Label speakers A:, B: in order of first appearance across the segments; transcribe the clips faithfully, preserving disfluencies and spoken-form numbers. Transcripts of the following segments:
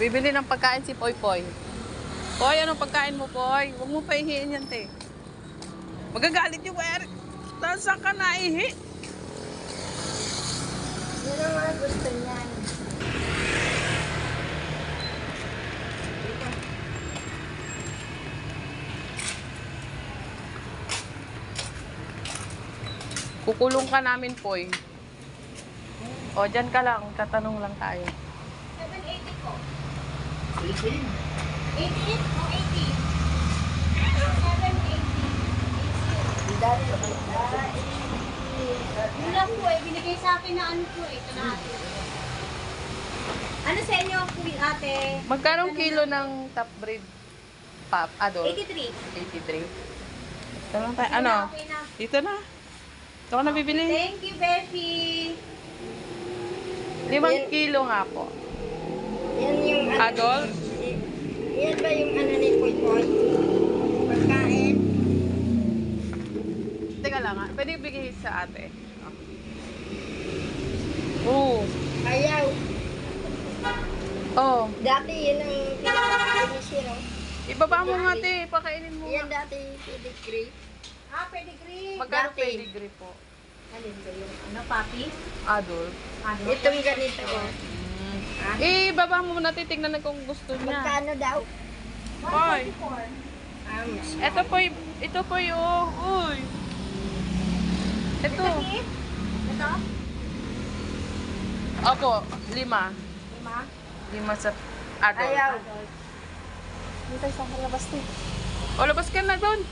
A: Bibili ng pagkain si Poy Poy. Poy, anong pagkain mo, Poy? Huwag mo paihiin yan, te. Magagalit yung Eric. Saan ka naihi?
B: Yun ang mga gusto niyan.
A: Kukulong ka namin, Poy. O, dyan ka lang. Tatanong lang tayo.
B: seven eighty po.
C: eighteen.
B: eighty o eighty? seven eighty.
C: Dali.
B: Yun lang po eh. Binigay sa akin na ano po eh. Ito na ate. Ano sa inyo po ate?
A: Magkano kilo ng top breed pop adult?
B: eighty-three.
A: eighty-three. Ito lang tayo. Ano?
B: Okay na.
A: Dito na. Ito ko na bibili.
B: Thank you, Beshi.
A: Limang kilo nga po.
C: Yan yung ano.
A: Adult?
C: Yan ba yung ano ni Poy Poy? Pagkain?
A: Teka lang ha. Pwede bigay sa ate. Oo.
C: Ayaw.
A: Oh.
C: Dati yun ang pinakain ni Siro.
A: Ibaba mo nga te. Pakainin mo
C: Yan
A: nga.
C: dati pedigree.
B: Ah, pedigree.
A: Magkano
C: Dati.
A: pedigree po?
B: Alin ba yung ano, papi?
A: Adult.
B: Ano?
C: Itong ganito. oh. Ah,
A: Eh, baba mo muna. Titignan na kung gusto niya.
C: Magkano daw?
A: Hoy.
C: Ah, mas
A: Ito po, y- ito po yung, uy. Ito.
B: Ito?
A: Opo, lima.
B: Lima?
A: Lima sa adult.
C: Ayaw.
A: Hindi tayo sa labas to. O, labas ka na doon.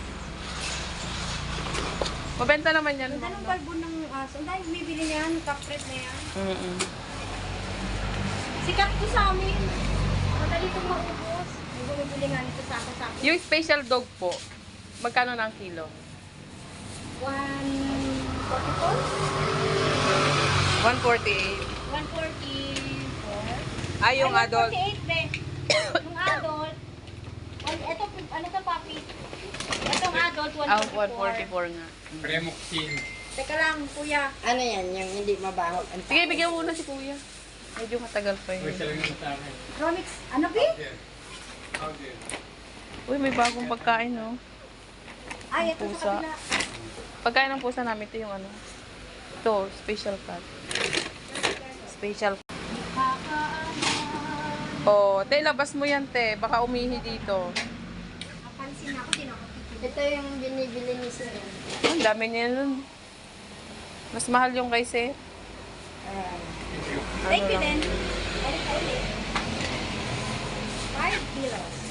A: Mabenta naman yan.
B: Ganda ng balbo ng aso. Ang dahil bibili niyan, kapret na yan.
A: Mm-mm.
B: Sikat ko sa amin. Madali itong maubos. May bumibili nga nito sa ako-sako.
A: Yung special dog po, magkano na ang kilo?
B: one forty-four?
A: one forty-eight.
B: one forty-four?
A: Ay, yung
B: Ay,
A: adult.
B: one forty-eight, be. Yung adult, one, ito, ano to, papi? Itong adult, one
A: Ah,
B: forty-four.
A: one forty-four nga.
D: Premoxin.
B: Teka lang, kuya.
C: Ano yan? Yung hindi mabaho. Ang
A: Sige, bigyan mo muna si kuya. Medyo matagal pa
D: Huwag
A: yun.
D: siya lang naman sa akin.
B: Romix, ano, be?
D: Yes. Okay.
A: Uy, may bagong pagkain, no?
B: Ay, ito
A: Pusa.
B: sa kabila.
A: Pagkain ng pusa namin, ito yung ano. Ito, special cut. Special. Oh, te, labas mo yan, te. Baka umihi dito.
B: Napansin ako, din ako.
C: Ito yung binibili ni Siro.
A: Ang dami niya nun. Mas mahal yung kay Sir.
C: Ah,
B: Thank you,
A: lang.
B: then. Ulit, ulit. Five kilos.